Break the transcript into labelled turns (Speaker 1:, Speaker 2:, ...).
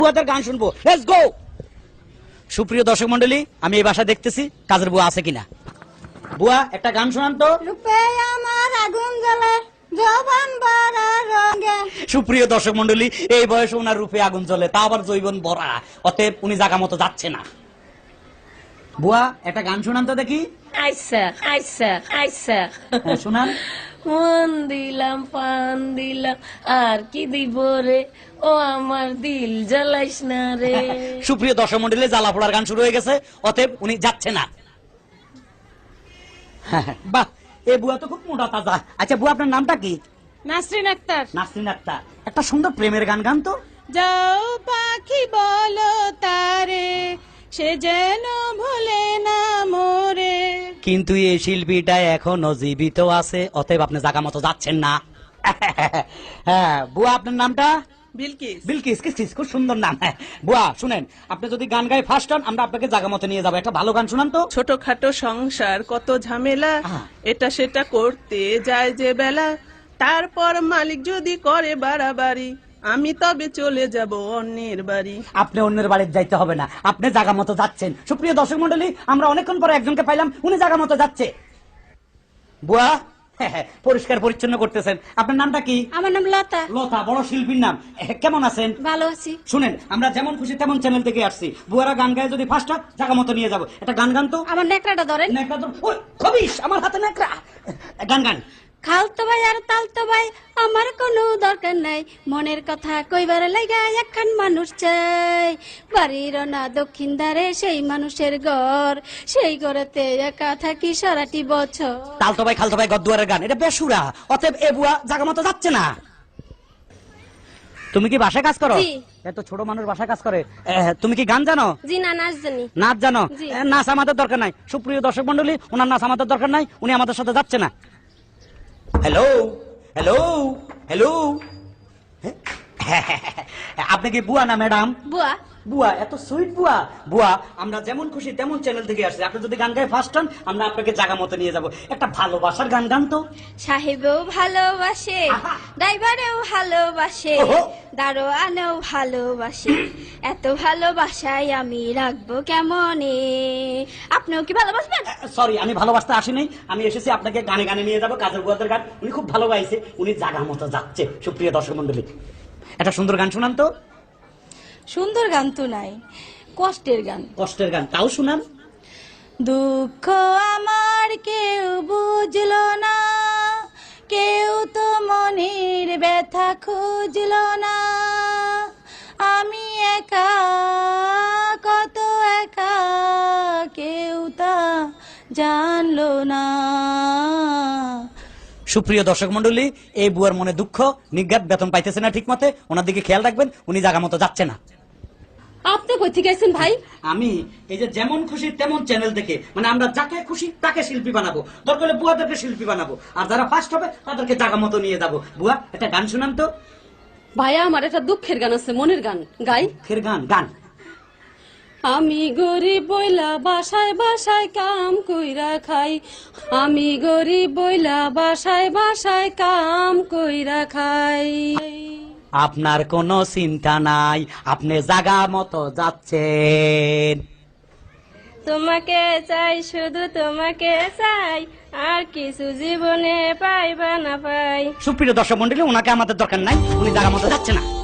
Speaker 1: বুয়াদের গান শুনবো, let's go. সুপ্রিয় দর্শক মন্ডলী, আমি এই বাসা দেখতেছি কাজের বুয়া আছে কিনা। বুয়া একটা গান শোনান তো।
Speaker 2: রূপে আমার আগুন জ্বলে যৌবন ভরা রঙে।
Speaker 1: সুপ্রিয় দর্শক মন্ডলী, এই বয়সে ওনার রূপে আগুন জ্বলে, তা আবার যৌবন ভরা, অতএব উনি জায়গা মতো যাচ্ছে না। বুয়া একটা গান শোনান তো দেখি।
Speaker 3: আইসা আইসা আইসা
Speaker 1: হ্যাঁ, শোনান।
Speaker 3: মন দিলাম পান দিলাম আর কি দিব রে, ও আমার দিল জ্বালাইস না রে।
Speaker 1: সুপ্রিয় দর্শক মন্ডলী, জ্বালা পোড়ার গান শুরু হয়ে গেছে, অতএব উনি যাচ্ছে না। বাহ, এই বুয়া তো খুব মোটা তাজা। আচ্ছা বুয়া, আপনার নামটা কি?
Speaker 3: নাসরিন আক্তার।
Speaker 1: নাসরিন আক্তার, একটা সুন্দর প্রেমের গান গান তো।
Speaker 3: যাও পাখি বলো তারে, সে যেন ভুলে না মোরে।
Speaker 1: কিন্তু এই শিল্পীটা এখনো জীবিত আছে, অতএব আপনি জায়গা মতো যাচ্ছেন না। হ্যাঁ বুয়া, আপনার নামটা?
Speaker 3: বিলকিস।
Speaker 1: বিলকিস, কিস খুব সুন্দর নাম। হ্যাঁ বুয়া শুনেন, আপনি যদি গান গায়ে ফার্স্ট হন, আমরা আপনাকে জায়গা মতো নিয়ে যাবো। একটা ভালো গান শুনান তো।
Speaker 4: ছোটখাটো সংসার কত ঝামেলা, এটা সেটা করতে যায় যে বেলা, তারপর মালিক যদি করে বাড়াবাড়ি, আমি তবে চলে যাব অন্যের বাড়ি।
Speaker 1: আপনি অন্যের বাড়িতে যাইতে হবে না, আপনি জায়গা মতো যাচ্ছেন। সুপ্রিয় দর্শক মন্ডলী, আমরা অনেকক্ষণ পরে একজনকে পাইলাম, উনি জায়গা মতো যাচ্ছে। বুয়া পরিষ্কার পরিচ্ছন্ন করতেছেন, আপনার নামটা কি?
Speaker 2: আমার নাম লতা।
Speaker 1: লতা, বড় শিল্পীর নাম। কেমন আছেন?
Speaker 2: ভালো আছি।
Speaker 1: শুনেন, আমরা যেমন খুশি তেমন চ্যানেল থেকে আসছি। বুয়ারা গান গায়ে যদি ফার্স্ট হয়, জায়গা মতো নিয়ে যাবো। একটা গান গান তো।
Speaker 2: আমার নেকড়াটা ধরেন।
Speaker 1: নেকড়া তো খবিস, আমার হাতে নেকড়া। গান গান।
Speaker 2: খালতো ভাই আর তালতো ভাই আমার কোনো দরকার নাই, মনের কথা কইবার লাগা একখান মানুষ চাই। বাড়ির না দক্ষিণ ধারে সেই মানুষের ঘর, সেই ঘরেতে একা থাকি সারাটি বছর।
Speaker 1: তালতো ভাই খালতো ভাই গদ্দুয়ারের গান, এটা বেসুরা, অতএব এ বুয়া জায়গা মতো যাচ্ছে না। তুমি কি বাসায় কাজ করো?
Speaker 2: জি।
Speaker 1: এত ছোট মানুষ বাসায় কাজ করে। তুমি কি গান জানো?
Speaker 2: জি না, নাচ জানি।
Speaker 1: নাচ জানো?
Speaker 2: জি।
Speaker 1: নাচ আমাদের দরকার নাই। সুপ্রিয় দর্শক মন্ডলী, ওনার নাচ আমাদের দরকার নাই, উনি আমাদের সাথে যাচ্ছে না। হ্যালো হ্যালো হ্যালো, আপনি কি বুয়া না ম্যাডাম?
Speaker 2: বুয়া।
Speaker 1: বুয়া, এত সুইট বুয়া। বুয়া, আমরা যেমন খুশি তেমন চ্যানেল থেকে আসছি। আপনি যদি গান গায়ে ফার্স্ট হন, আমরা আপনাকে জায়গা মতো নিয়ে যাব। একটা ভালোবাসার গান গান তো।
Speaker 2: সাহেবেও ভালোবাসে,
Speaker 1: আহা।
Speaker 2: ড্রাইভারেও ভালোবাসে,
Speaker 1: ওহো।
Speaker 2: দারোয়ানেও ভালোবাসে, এত ভালোবাসায় আমি রাখবো কেমনে। আপনিও কি ভালোবাসবেন?
Speaker 1: সরি, আমি ভালোবাসতে আসিনি, আমি এসেছি আপনাকে গানে গানে নিয়ে যাবো। কাজের বুয়াদের গান উনি খুব ভালো গাইছে, উনি জায়গা মতো যাচ্ছে। সুপ্রিয় দর্শক মন্ডলী, একটা সুন্দর গান শুনান তো।
Speaker 2: সুন্দর গান তো নাই, কষ্টের গান।
Speaker 1: কষ্টের গান, তাও শুনান।
Speaker 2: দুঃখ আমার কেউ বুঝলো না, কেউ তো মনের ব্যথা খুঁজলো না, আমি একা কত একা, কেউ তা জানলো না।
Speaker 1: সুপ্রিয় দর্শক মন্ডলী, এই বুয়ার মনে দুঃখ, নিজ্ঞাত বেতন পাইতেছে না ঠিক মতে, ওনার দিকে খেয়াল রাখবেন, উনি জায়গা মতো যাচ্ছে না।
Speaker 3: আপনি কই থেকে আইছেন ভাই?
Speaker 1: আমি এই যে যেমন খুশি তেমন চ্যানেল থেকে, মানে আমরা যাকে খুশি তাকে শিল্পী বানাবো, দরকার হলে বুয়াদেরকে শিল্পী বানাবো, আর যারা ফার্স্ট হবে তাদেরকে জায়গা মতো নিয়ে যাবো। বুয়া একটা গান শুনান তো।
Speaker 3: ভাইয়া, আমার একটা দুঃখের গান আছে, মনের গান গাই।
Speaker 1: ফের গান গান।
Speaker 3: আমি গরিব বইলা বাসায় বাসায় কাম কইরা খাই, আমি গরিব বইলা বাসায় বাসায় কাম কইরা খাই।
Speaker 1: আপনার কোনো চিন্তা নাই, আপনি জায়গা মতো যাচ্ছেন।
Speaker 3: তোমাকে চাই, শুধু তোমাকে চাই, আর কিছু জীবনে পাইবা না পাই।
Speaker 1: সুপ্রিয় দর্শক মন্ডলী, ওনাকে আমাদের দরকার নাই, উনি জায়গা মতো যাচ্ছে না।